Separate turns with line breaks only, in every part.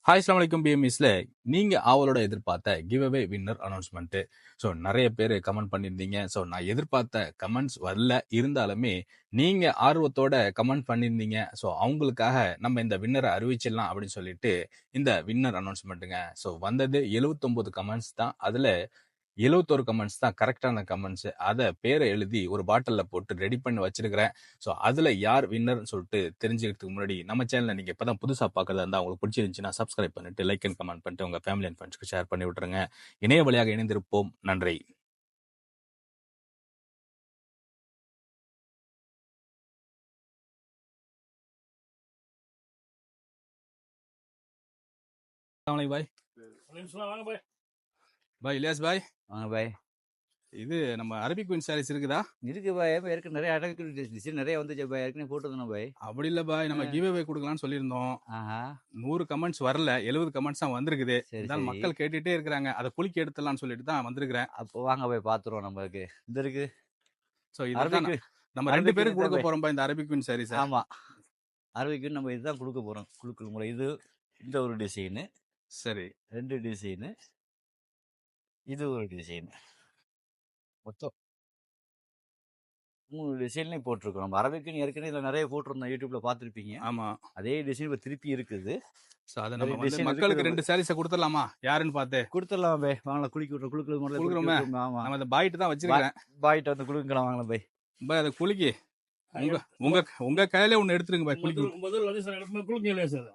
Hi அஸ்ஸலாமு அலைக்கும் பிஎம்இஸ்ல நீங்க அவளோட எதிர்பார்த்த give away winner announcement. So நிறைய பேர் கமெண்ட் பண்ணியிருந்தீங்க. ஸோ நான் எதிர்பார்த்த கமெண்ட்ஸ் வரல, இருந்தாலுமே நீங்க ஆர்வத்தோட கமெண்ட் பண்ணியிருந்தீங்க. ஸோ அவங்களுக்காக நம்ம இந்த வின்னரை அறிவிச்சிடலாம் அப்படின்னு சொல்லிட்டு இந்த வின்னர் அனௌன்ஸ்மெண்ட்டுங்க. ஸோ வந்தது 79 கமெண்ட்ஸ் தான். அதுல 71 கமெண்ட்ஸ் தான் கரெக்டான கமெண்ட்ஸ். அதை பேரை எழுதி ஒரு பாட்டிலில் போட்டு ரெடி பண்ணி வச்சிருக்கிறேன். ஸோ அதில் யார் வின்னர்னு சொல்லிட்டு தெரிஞ்சுக்கிறதுக்கு முன்னாடி நம்ம சேனலை நீங்கள் இப்போ தான் புதுசாக பார்க்கறதா இருந்தால் உங்களுக்கு பிடிச்சிருந்துச்சுன்னா சப்ஸ்கிரைப் பண்ணிட்டு லைக் அண்ட் கமெண்ட் பண்ணிட்டு உங்கள் ஃபேமிலி அண்ட் ஃப்ரெண்ட்ஸ்க்கு ஷேர் பண்ணி விட்டுருங்க. இணைய வழியாக இணைந்திருப்போம். நன்றி. பாய் பாய் இலியாஸ் பாய்.
வாங்க பாய்.
இது நம்ம அரபிக் குயின் சாரீஸ் இருக்குதா?
இருக்கு பாய். ஏற்கனவே நிறைய அடக்கு நிறைய வந்துச்சு பாய். ஏற்கனவே போட்டுருந்தோம் பாய்.
அப்படி இல்லை பாய், நம்ம கிவ் அவே கொடுக்கலாம்னு சொல்லியிருந்தோம். 100 கமெண்ட்ஸ் வரல, 70 கமெண்ட்ஸ் தான் வந்திருக்குது. இருந்தாலும் மக்கள் கேட்டுட்டே இருக்கிறாங்க, அதை குளிக்க எடுத்துலாம்னு சொல்லிட்டு தான் வந்திருக்கிறேன்.
அப்போ வாங்க பாய் பார்த்துருவோம். நம்மளுக்கு இந்த இருக்கு.
ஸோ இதுதான் நம்ம 2 பேருக்கு கொடுக்க போறோம் இந்த அரபிக் குயின் சாரீஸ்.
ஆமா, அரபிக் குயின் நம்ம இதுதான் கொடுக்க போறோம். குழுக்கள் முறை இது. இந்த ஒரு டிசைனு, சரி 2 டிசைனு, இது ஒரு டிசைன், மொத்தம் 3 டிசைன்லையும் போட்டிருக்கோம். நம்ம அரபிக்குன்னு ஏற்கனவே இதில் நிறைய போட்டிருந்தோம், யூடியூப்ல பார்த்துருப்பீங்க.
ஆமா,
அதே டிசைன் இப்போ திருப்பி இருக்குது.
ஸோ அதை நம்ம வந்து மக்களுக்கு 2 சாரீஸை கொடுத்துடலாமா? யாருன்னு பார்த்து
கொடுத்துடலாம் பை. வாங்கலாம், குளிக்க விட்றோம். குழுக்கள் முதல்ல
கொடுக்குறோமே.
ஆமா,
நம்ம அந்த பாய்ட்டு தான் வச்சிருக்கேன்.
பாய்ட்டு வந்து குழுக்கலாம். வாங்கலாம் பை.
பை அதை குளிக்கி உங்க உங்க உங்க கையில ஒன்று எடுத்துருங்க பை. குளிக்க
முதல்ல வந்து சார் குளிக்கலையே சார்.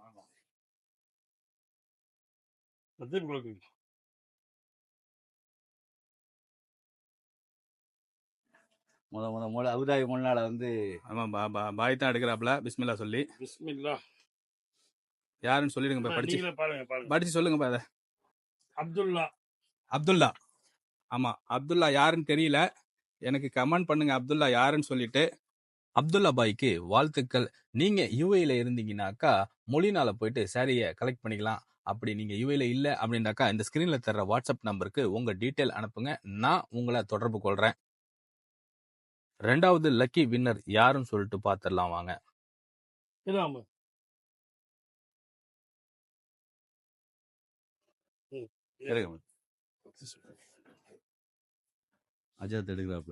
முத அபுதாபி முன்னால வந்து
ஆமா பாய் தான் எடுக்கிறாப்ல. பிஸ்மில்லா சொல்லி
பிஸ்மில்லா
யாருன்னு சொல்லிடுங்க பை. படிச்சு படிச்சு சொல்லுங்க பை. அதை
அப்துல்லா.
அப்துல்லா. ஆமா, அப்துல்லா யாருன்னு தெரியல, எனக்கு கமெண்ட் பண்ணுங்க அப்துல்லா யாருன்னு சொல்லிட்டு. அப்துல்லா பாய்க்கு வாழ்த்துக்கள். நீங்க யூஏல இருந்தீங்கன்னாக்கா மொழினால போயிட்டு சாரியை கலெக்ட் பண்ணிக்கலாம். அப்படி நீங்க யூஏல இல்லை அப்படின்னாக்கா இந்த ஸ்கிரீன்ல தர்ற வாட்ஸ்அப் நம்பருக்கு உங்க டீட்டெயில் அனுப்புங்க, நான் உங்களை தொடர்பு கொள்றேன். 2வது லக்கி வின்னர் யாருன்னு சொல்லிட்டு பார்த்துடலாம் வாங்க.
அஜாத் எடுக்கிறாப்ல.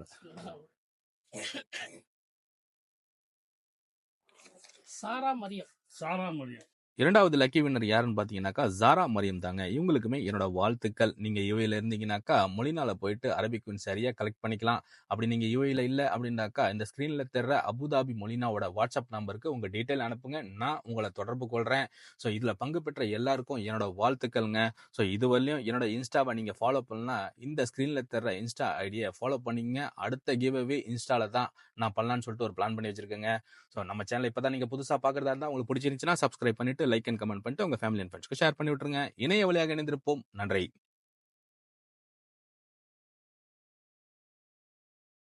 சாரா மரியம்.
2வது லக்கி வின்னர் யாருன்னு பார்த்தீங்கன்னாக்கா ஜாரா மரியம் தாங்க. இவங்களுக்குமே என்னோட வாழ்த்துக்கள். நீங்க யூஏல இருந்தீங்கன்னாக்கா மொழினால போயிட்டு அரபிக் குயின் சரியா கலெக்ட் பண்ணிக்கலாம். அப்படி நீங்க யூஏல இல்லை அப்படின்னாக்கா இந்த ஸ்கிரீன்ல தர்ற அபுதாபி மொழினாவோட வாட்ஸ்அப் நம்பருக்கு உங்க டீட்டெயில் அனுப்புங்க, நான் உங்களை தொடர்பு கொள்றேன். ஸோ இதுல பங்கு பெற்ற எல்லாருக்கும் என்னோட வாழ்த்துக்கள்ங்க. ஸோ இதுவரையும் என்னோட இன்ஸ்டாவை நீங்க ஃபாலோ பண்ணலாம், இந்த ஸ்கிரீன்ல தர்ற இன்ஸ்டா ஐடியை ஃபாலோ பண்ணிங்க. அடுத்த கிவ் அவே இன்ஸ்டால தான் நான் பண்ணலான்னு சொல்லிட்டு ஒரு பிளான் பண்ணி வச்சிருக்கேங்க. ஸோ நம்ம சேனல் இப்பதான் நீங்க புதுசா பாக்குறதா இருந்தா உங்களுக்கு பிடிச்சிருந்துச்சுன்னா சப்ஸ்கிரைப் பண்ணிட்டு லைக் அண்ட் கமெண்ட் பண்ணிட்டு உங்க ஃபேமிலி அண்ட் ஃப்ரெண்ட்ஸ்க்கு ஷேர் பண்ணி விட்டுருங்க. இணைய வழியாக இணைந்திருப்போம். நன்றி.